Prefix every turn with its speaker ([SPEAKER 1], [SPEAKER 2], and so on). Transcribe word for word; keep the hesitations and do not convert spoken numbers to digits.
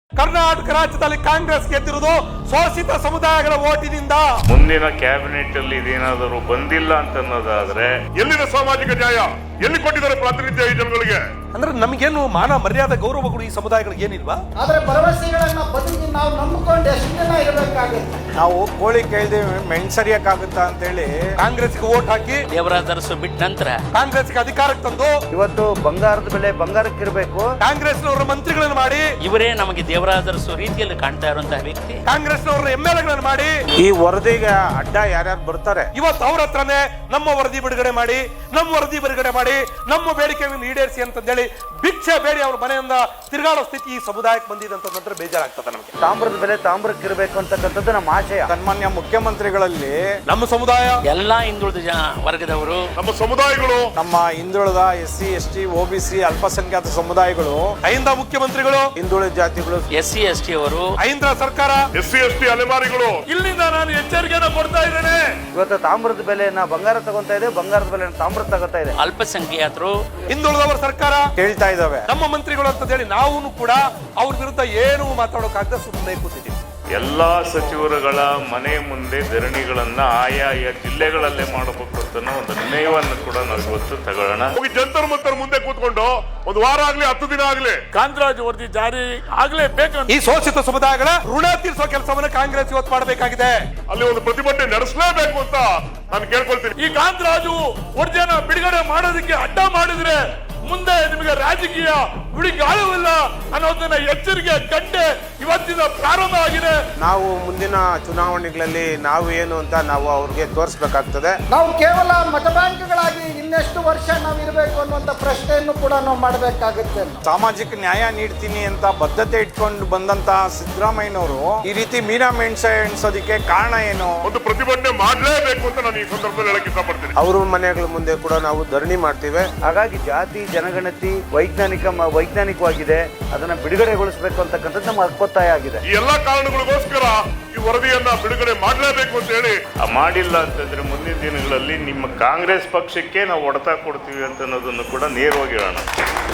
[SPEAKER 1] ಕರ್ನಾಟಕ ರಾಜ್ಯದಲ್ಲಿ ಕಾಂಗ್ರೆಸ್ ಗೆದ್ದಿರುವುದು ಶೋಷಿತ ಸಮುದಾಯಗಳ ಓಟಿನಿಂದ.
[SPEAKER 2] ಮುಂದಿನ ಕ್ಯಾಬಿನೆಟ್ ಅಲ್ಲಿ ಇದೇನಾದರೂ ಬಂದಿಲ್ಲ ಅಂತ ಅನ್ನೋದಾದ್ರೆ
[SPEAKER 3] ಎಲ್ಲಿನ ಸಾಮಾಜಿಕ ನ್ಯಾಯ ಎಲ್ಲಿ ಕೊಟ್ಟಿದ್ದಾರೆ ಪ್ರಾತಿನಿಧ್ಯ ಈ ಜನಗಳಿಗೆ?
[SPEAKER 1] ಅಂದ್ರೆ ನಮಗೇನು ಮಾನ ಮರ್ಯಾದೆ ಗೌರವಗಳು ಈ ಸಮುದಾಯಗಳಿಗೆ ಏನಿಲ್ವಾ?
[SPEAKER 4] ಆದ್ರೆ ಭರವಸೆಗಳನ್ನ ಬದುಕಿ ನಾವು ನಂಬಿಕೊಂಡು ಎಷ್ಟು ದಿನ ಇರಬೇಕಾಗುತ್ತೆ?
[SPEAKER 5] ನಾವು ಕೋಳಿ ಕೇಳ್ದೆ ಮೆಣಸರಿಯಕ್ಕಾಗುತ್ತಾ ಅಂತ ಹೇಳಿ
[SPEAKER 1] ಕಾಂಗ್ರೆಸ್ಗೆ ಓಟ್ ಹಾಕಿ
[SPEAKER 6] ದೇವರಾಜ ಅರಸು ಬಿಟ್ಟ ನಂತರ
[SPEAKER 1] ಕಾಂಗ್ರೆಸ್ಗೆ ಅಧಿಕಾರಕ್ಕೆ ತಂದು
[SPEAKER 7] ಇವತ್ತು ಬಂಗಾರದ ಬೆಲೆ ಬಂಗಾರಕ್ಕಿರಬೇಕು.
[SPEAKER 1] ಕಾಂಗ್ರೆಸ್ನವರ ಮಂತ್ರಿಗಳನ್ನು ಮಾಡಿ
[SPEAKER 6] ಇವರೇ ನಮಗೆ ದೇವರಾಜ ಅರಸು ರೀತಿಯಲ್ಲಿ ಕಾಣ್ತಾ ಇರುವಂತಹ ವ್ಯಕ್ತಿ.
[SPEAKER 1] ಕಾಂಗ್ರೆಸ್ನವರ ಎಂ ಎಲ್ ಎಗಳನ್ನು ಮಾಡಿ
[SPEAKER 5] ಈ ವರದಿಗೆ ಅಡ್ಡ ಯಾರ್ಯಾರು ಬರ್ತಾರೆ
[SPEAKER 1] ಇವತ್ತು ಅವ್ರ ಹತ್ರನೇ ನಮ್ಮ ವರದಿ ಬಿಡುಗಡೆ ಮಾಡಿ ನಮ್ಮ ವರದಿ ಬಿಡುಗಡೆ ಮಾಡಿ ನಮ್ಮ ಬೇಡಿಕೆಗಳನ್ನು ಈಡೇರಿಸಿ ಅಂತಂದೇಳಿ ಭಿಕ್ಷೆ ಬೇಡಿ ಅವ್ರ ಮನೆಯಿಂದ ತಿರುಗಾಡೋ ಸ್ಥಿತಿ ಈ ಸಮುದಾಯಕ್ಕೆ ಬಂದಿದೆ ಅಂತಂದ್ರೆ ಬೇಜಾರಾಗ್ತದೆ ನಮಗೆ.
[SPEAKER 7] ತಾಮ್ರದ ಬೆಲೆ ತಾಮ್ರಕ್ಕಿರಬೇಕು ಅಂತಕ್ಕಂಥದ್ದು ನಮ್ಮ ಆಶಯ.
[SPEAKER 5] ಸನ್ಮಾನ್ಯ ಮುಖ್ಯಮಂತ್ರಿಗಳಲ್ಲಿ
[SPEAKER 1] ನಮ್ಮ ಸಮುದಾಯ
[SPEAKER 6] ಎಲ್ಲಾ ಹಿಂದುಳಿದ ಜನ ವರ್ಗದವರು,
[SPEAKER 3] ನಮ್ಮ ಸಮುದಾಯಗಳು,
[SPEAKER 5] ನಮ್ಮ ಹಿಂದುಳಿದ S C S T O B C ಅಲ್ಪಸಂಖ್ಯಾತ ಸಮುದಾಯಗಳು,
[SPEAKER 1] ಐಂದ ಮುಖ್ಯಮಂತ್ರಿಗಳು,
[SPEAKER 5] ಹಿಂದುಳಿದ ಜಾತಿಗಳು,
[SPEAKER 6] ಎಸ್ ಸಿ ಎಸ್ ಟಿ ಅವರು,
[SPEAKER 1] ಐಂದ್ರ ಸರ್ಕಾರ,
[SPEAKER 3] ಎಸ್ ಸಿ ಎಸ್ ಟಿ ಅಲೆಮಾರಿಗಳು
[SPEAKER 1] ಇಲ್ಲಿಂದ ನಾನು ಎಚ್ಚರಿಕೆಯನ್ನು ಕೊಡ್ತಾ ಇದ್ದೇನೆ.
[SPEAKER 7] ಇವತ್ತು ತಾಮ್ರದ ಬೆಲೆಯನ್ನ ಬಂಗಾರ ತಗೊಂತಾ ಇದೆ, ಬಂಗಾರದ ಬೆಲೆನ ತಾಮ್ರ ತಗೋತಾ ಇದೆ.
[SPEAKER 6] ಅಲ್ಪಸಂಖ್ಯಾತರು,
[SPEAKER 1] ಹಿಂದುಳಿದವರ ಸರ್ಕಾರ
[SPEAKER 5] ಕೇಳ್ತಾ ಇದಾವೆ.
[SPEAKER 1] ನಮ್ಮ ಮಂತ್ರಿಗಳು ಅಂತ ಹೇಳಿ ನಾವು ಕೂಡ ಅವ್ರ ವಿರುದ್ಧ ಏನು ಮಾತಾಡೋಕಾಗದೆ ಸುಮ್ಮನೆ ಕೂತಿದ್ದೀವಿ.
[SPEAKER 2] ಎಲ್ಲಾ ಸಚಿವರುಗಳ ಮನೆ ಮುಂದೆ ಧರಣಿಗಳನ್ನ ಆಯಾಯ ಜಿಲ್ಲೆಗಳಲ್ಲೇ ಮಾಡಬೇಕು ಅಂತ ಒಂದು ನಿರ್ಣಯವನ್ನು ಕೂಡ ನಾವು ಇವತ್ತು ತಗೊಳ್ಳೋಣ.
[SPEAKER 3] ಹೋಗಿ ಜಂತರ್ ಮಂತರ್ ಮುಂದೆ ಕೂತ್ಕೊಂಡು ಒಂದು ವಾರ ಆಗ್ಲಿ ಹತ್ತು ದಿನ ಆಗ್ಲಿ
[SPEAKER 8] ಕಾಂತರಾಜ್ ವರದಿ ಜಾರಿ ಆಗ್ಲೇಬೇಕು.
[SPEAKER 1] ಈ ಶೋಷಿತ ಸಮುದಾಯಗಳ ಋಣ ತೀರಿಸುವ ಕೆಲಸವನ್ನು ಕಾಂಗ್ರೆಸ್ ಇವತ್ತು ಮಾಡಬೇಕಾಗಿದೆ.
[SPEAKER 3] ಅಲ್ಲಿ ಒಂದು ಪ್ರತಿಭಟನೆ ನಡೆಸಲೇಬೇಕು ಅಂತ ನಾನು ಕೇಳ್ಕೊಳ್ತೀನಿ.
[SPEAKER 8] ಈ ಕಾಂತರಾಜು ವರದಿಯನ್ನ ಬಿಡುಗಡೆ ಮಾಡೋದಕ್ಕೆ ಅಡ್ಡ ಮಾಡಿದ್ರೆ ಮುಂದೆ ನಿಮಗೆ ರಾಜಕೀಯ ಬಿಡಿಗಾಲವಿಲ್ಲ ಅನ್ನೋದನ್ನ ಎಚ್ಚರಿಕೆ ಗಂಟೆ ಇವತ್ತಿನ ಪ್ರಾರಂಭ ಆಗಿದೆ.
[SPEAKER 5] ನಾವು ಮುಂದಿನ ಚುನಾವಣೆಗಳಲ್ಲಿ ನಾವು ಏನು ಅಂತ ನಾವು ಅವ್ರಿಗೆ ತೋರಿಸ್ಬೇಕಾಗ್ತದೆ.
[SPEAKER 4] ನಾವು ಕೇವಲ ಮತ ಬ್ಯಾಂಕ್ಗಳಾಗಿ ಇನ್ನೆಷ್ಟು ವರ್ಷ ನಾವು ಇರಬೇಕು ಅನ್ನುವಂಥ ಪ್ರಶ್ನೆಯನ್ನು ಕೂಡ ನಾವು ಮಾಡಬೇಕಾಗುತ್ತೆ.
[SPEAKER 5] ಸಾಮಾಜಿಕ ನ್ಯಾಯ ನೀಡ್ತೀನಿ ಅಂತ ಬದ್ಧತೆ ಇಟ್ಕೊಂಡು ಬಂದಂತಹ ಸಿದ್ದರಾಮಯ್ಯನವರು ಈ ರೀತಿ ಮೀನಾ ಮೆಣಸ ಎಣಿಸೋದಕ್ಕೆ ಕಾರಣ ಏನು?
[SPEAKER 3] ಒಂದು ಪ್ರತಿಭಟನೆ ಮಾಡಲೇಬೇಕು ಅಂತ ನಾನು ಈ ಸಂದರ್ಭದಲ್ಲಿ ಹೇಳಕ್ ಇಷ್ಟಪಡ್ತೀನಿ.
[SPEAKER 5] ಅವ್ರ ಮನೆಗಳ ಮುಂದೆ ಕೂಡ ನಾವು ಧರಣಿ ಮಾಡ್ತೀವಿ.
[SPEAKER 7] ಹಾಗಾಗಿ ಜಾತಿ ಜನಗಣತಿ ವೈಜ್ಞಾನಿಕ ವೈಜ್ಞಾನಿಕವಾಗಿದೆ, ಅದನ್ನ ಬಿಡುಗಡೆಗೊಳಿಸಬೇಕು ಅಂತಕ್ಕಂಥದ್ದು ನಮ್ಮ ಹಕ್ಕೊತ್ತಾಯ ಆಗಿದೆ.
[SPEAKER 3] ಈ ಎಲ್ಲಾ ಕಾರಣಗಳಿಗೋಸ್ಕರ ಈ ವರದಿಯನ್ನ ಬಿಡುಗಡೆ ಮಾಡಲೇಬೇಕು ಅಂತ ಹೇಳಿ
[SPEAKER 2] ಮಾಡಿಲ್ಲ ಅಂತಂದ್ರೆ ಮುಂದಿನ ದಿನಗಳಲ್ಲಿ ನಿಮ್ಮ ಕಾಂಗ್ರೆಸ್ ಪಕ್ಷಕ್ಕೆ ನಾವು ಹೊಡೆತ ಕೊಡ್ತೀವಿ ಅಂತ ಅನ್ನೋದನ್ನು ಕೂಡ ನೇರವಾಗಿ ಹೇಳೋಣ.